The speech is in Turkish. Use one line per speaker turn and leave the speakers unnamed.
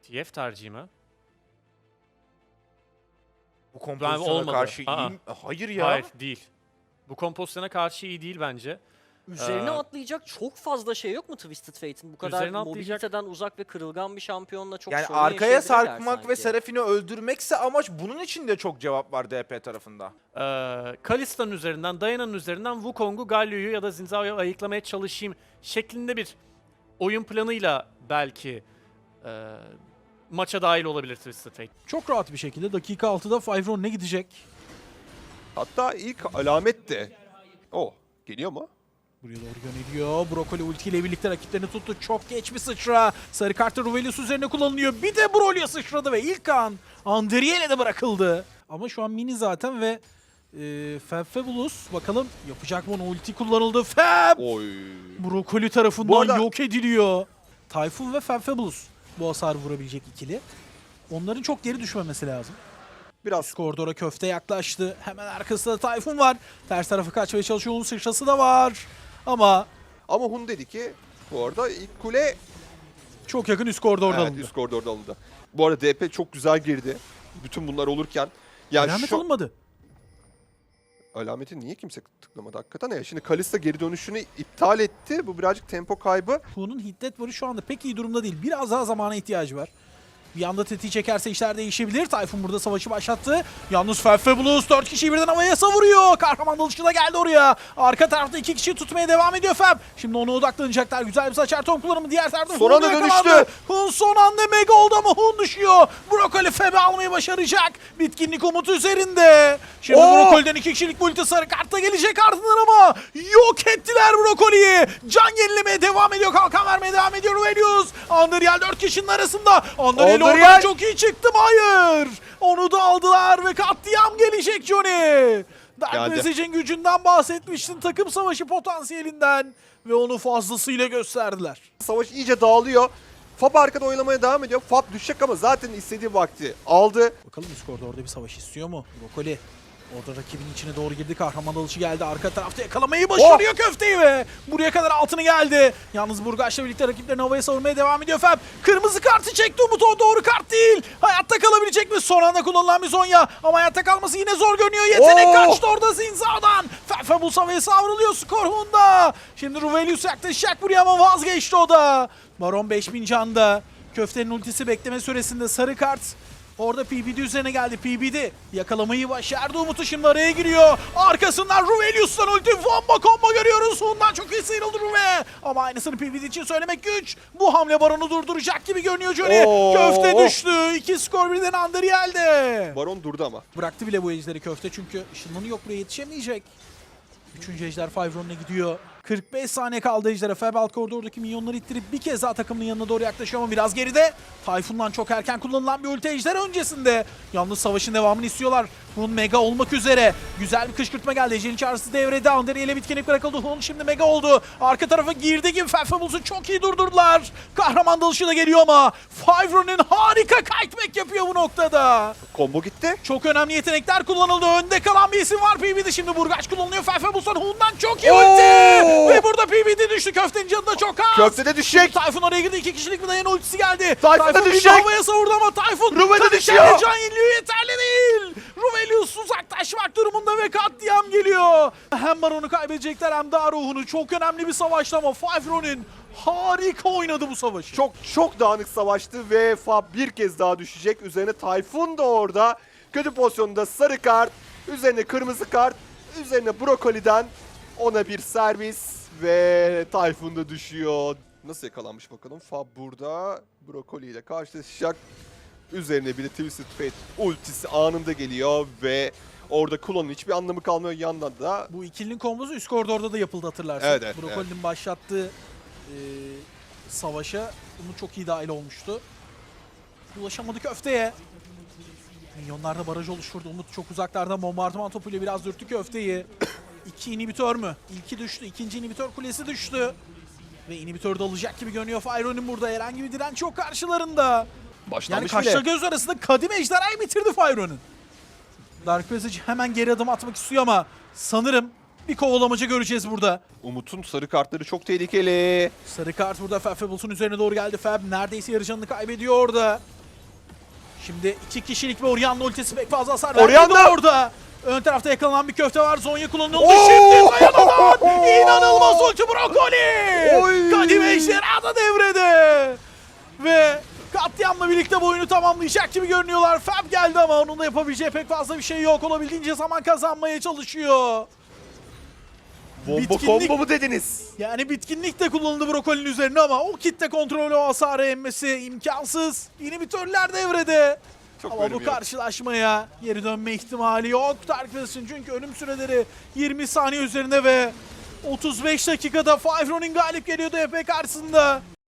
TF tercihi mi?
Bu kompozisyona
olmadı.
karşı
Aa.
iyi mi? Hayır ya.
Hayır, değil. Bu kompozisyona karşı iyi değil bence.
Üzerine
Ee,
atlayacak çok fazla şey yok mu Twisted Fate'in? Bu kadar
Üzerine atlayacak-
mobiliteden uzak ve kırılgan bir şampiyonla çok
Yani
sorun
arkaya
yaşayabilirler
sarkmak ve
sanki.
Seraphine öldürmekse amaç, bunun için de çok cevap var DP tarafında.
Kalista'nın üzerinden, Diana'nın üzerinden Wukong'u, Galio'yu ya da Xin Zhao'yu ayıklamaya çalışayım şeklinde bir oyun planıyla belki maça dahil olabilir Twisted Fate.
Çok rahat bir şekilde dakika 6'da Fyvron ne gidecek?
Hatta ilk alamet de. Oh, geliyor mu?
Buraya doğru yöneliyor. Brokoli ultiyle birlikte rakiplerini tuttu. Çok geç bir sıçra. Sarı kartı Ruvelius üzerine kullanılıyor. Bir de Broly'a sıçradı ve ilk kan Andriel'e de bırakıldı. Ama şu an mini zaten ve Fabulous bakalım yapacak mı onu? Ulti kullanıldı. Fab!
Oy.
Brokoli
Bu
tarafından
arada-
yok ediliyor. Tayfun ve Fabulous bu hasarı vurabilecek ikili. Onların çok geri düşmemesi lazım.
Biraz
Üst koridora köfte yaklaştı. Hemen arkasında Tayfun var. Ters tarafı kaçmaya çalışıyor. Onun sıçrası da var. Ama
ama Hun dedi ki bu arada ilk kule
çok yakın üst koridorda alındı.
üst koridorda alındı. Bu arada DP çok güzel girdi. Bütün bunlar olurken. Yani
Alamet
şu
alınmadı.
alameti niye kimse tıklamadı hakikaten ya. Şimdi Kalista geri dönüşünü iptal etti. Bu birazcık tempo kaybı.
Hu'nun hiddet varı şu anda pek iyi durumda değil. Biraz daha zamana ihtiyacı var. Bir anda tetiği çekerse işler değişebilir. Tayfun burada savaşı başlattı. Yalnız Fabulous 4 kişiyi birden havaya savuruyor. Kahraman dalışı da geldi oraya. Arka tarafta 2 kişiyi tutmaya devam ediyor Fab. Şimdi ona odaklanacaklar. Güzel bir saçar tom kullanımı. Diğer tarafta
Son
Hun
anda
yakalandı.
dönüştü.
Hun son anda mega oldu ama Hun düşüyor. Brokoli Fab'i almayı başaracak. Bitkinlik umutu üzerinde. Şimdi Brokoli'den 2 kişilik multi sarı kartta gelecek ardından ama yok ettiler Brokoli'yi. Can yenilemeye devam ediyor. Kalkan vermeye devam ediyor Ruvelius. Andriel 4 kişinin arasında. Andriel oradan
Andriel!
çok iyi çıktım. Hayır. Onu da aldılar ve katliam gelecek Johnny. Dark
Geldi.
Message'in gücünden bahsetmiştin. Takım savaşı potansiyelinden. Ve onu fazlasıyla gösterdiler.
Savaş iyice dağılıyor. Fab arkada oyalamaya devam ediyor. Fab düşecek ama zaten istediği vakti aldı.
Bakalım üst koridorda bir savaş istiyor mu? Brokoli. Orada rakibin içine doğru girdi. Kahraman dalışı geldi. Arka tarafta yakalamayı başarıyor köfteyi ve buraya kadar altını geldi. Yalnız Burgaç'la birlikte rakiplerini havaya savurmaya devam ediyor Fab. Kırmızı kartı çekti Umut. O doğru kart değil. Hayatta kalabilecek mi? Son anda kullanılan bir Zonya. Ama hayatta kalması yine zor görünüyor. Yetenek kaçtı orada Zinza'dan. Fabulous havaya savruluyor. Skor Honda. Şimdi Ruvelius yaklaşacak buraya ama vazgeçti o da. Baron 5000 canda. Köftenin ultisi bekleme süresinde sarı kart. Orada PBD üzerine geldi. PBD yakalamayı başardı. Umut'u şimdi araya giriyor. Arkasından Ruvelius'tan ulti combo görüyoruz. Hun'dan çok iyi sıyrıldı Ruve. Ama aynısını PBD için söylemek güç. Bu hamle Baron'u durduracak gibi görünüyor Johnny.
Oo.
Köfte düştü. 2 skor birden Andriel'de.
Baron durdu ama.
Bıraktı bile bu ejderi köfte çünkü ışınlanı yok, buraya yetişemeyecek. 3. ejder Fyvron'la gidiyor. 45 saniye kaldı ejdere. Fab alt koridordaki minyonları ittirip bir kez daha takımının yanına doğru yaklaşıyor ama biraz geride. Tayfun'dan çok erken kullanılan bir ulti ejder öncesinde. Yalnız savaşın devamını istiyorlar. Hun mega olmak üzere. Güzel bir kışkırtma geldi. Ejder'in çağrısı devrede. Andriel'e bitkinlik bırakıldı. Hun şimdi mega oldu. Arka tarafa girdi gibi Fabulous'u çok iyi durdurdular. Kahraman dalışı da geliyor ama Fyvron'un harika kiteback yapıyor bu noktada.
Combo gitti.
Çok önemli yetenekler kullanıldı. Önde kalan bir isim var PBD. Şimdi Burgaç kullanılıyor. Fabulos'tan Hun'dan çok iyi ulti. Ve burada PBD düştü. Köftenin canı da çok az.
Köfte de düşecek.
Tayfun oraya girdi. 2 kişilik bir dayan ultisi geldi.
Tayfun da
bir
düşecek.
havaya savurdu ama Tayfun
Ruve de
kaçarken
düşüyor.
can yeniliyor. Yeterli değil. Ruvelius uzaklaşmak durumunda ve katliam geliyor. Hem Baron'u kaybedecekler hem de ruhunu. Çok önemli bir savaştı ama Fyvron'un harika oynadı bu savaşı.
Çok dağınık savaştı ve Fab bir kez daha düşecek. Üzerine Tayfun da orada. Kötü pozisyonda sarı kart. Üzerine kırmızı kart. Üzerine Brokoli'den ona bir servis ve Tayfun da düşüyor. Nasıl yakalanmış bakalım. Fab burada Brokoli ile karşılaşacak. Üzerine bir de Twisted Fate ultisi anında geliyor ve orada Kulon'un hiçbir anlamı kalmıyor. Yandan da
Bu ikilinin kombosu üst koridorda da yapıldı hatırlarsın.
Evet, evet,
Brokoli'nin başlattığı savaşa Umut çok iyi dahil olmuştu. Ulaşamadı köfteye. Minyonlar da baraj oluşturdu. Umut çok uzaklardan bombardıman topuyla biraz dürttü köfteyi. 2 inhibitör mü? İlki düştü. İkinci inhibitör kulesi düştü. Ve inhibitör de alacak gibi görünüyor. Fyron'un burada herhangi bir direnç yok karşılarında. Yani
başlamış
kaşla
bile.
göz arasında kadim ejderhayı bitirdi Fyron'un. Dark Passage hemen geri adım atmak istiyor ama sanırım bir kovalamaca göreceğiz burada.
Umut'un sarı kartları çok tehlikeli.
Sarı kart burada Fabulos'un üzerine doğru geldi. Fab neredeyse yarı canını kaybediyor orada. Şimdi 2 kişilik bir Orianna ultisi pek fazla hasar
Orianna!
vermedi orada. Ön tarafta yakalanan bir köfte var. Zonya kullanıldı.
Oo!
Şimdi Dayana'dan inanılmaz ulti Brokoli.
Oy!
Kadim Ejderha da devrede. Ve katliamla birlikte bu oyunu tamamlayacak gibi görünüyorlar. Fab geldi ama onun da yapabileceği pek fazla bir şey yok. Olabildiğince zaman kazanmaya çalışıyor.
Bomba
Bitkinlik-
combo mu dediniz?
Yani bitkinlik de kullanıldı Brokoli'nin üzerine ama o kitle kontrolü o hasarı emmesi imkansız. İnhibitörler devrede.
Çok
Ama
bölüm
bu
yok.
karşılaşmaya geri dönme ihtimali yok. Dark Pass'in çünkü ölüm süreleri 20 saniye üzerinde ve 35 dakikada Five Ronin galip geliyordu DP karşısında.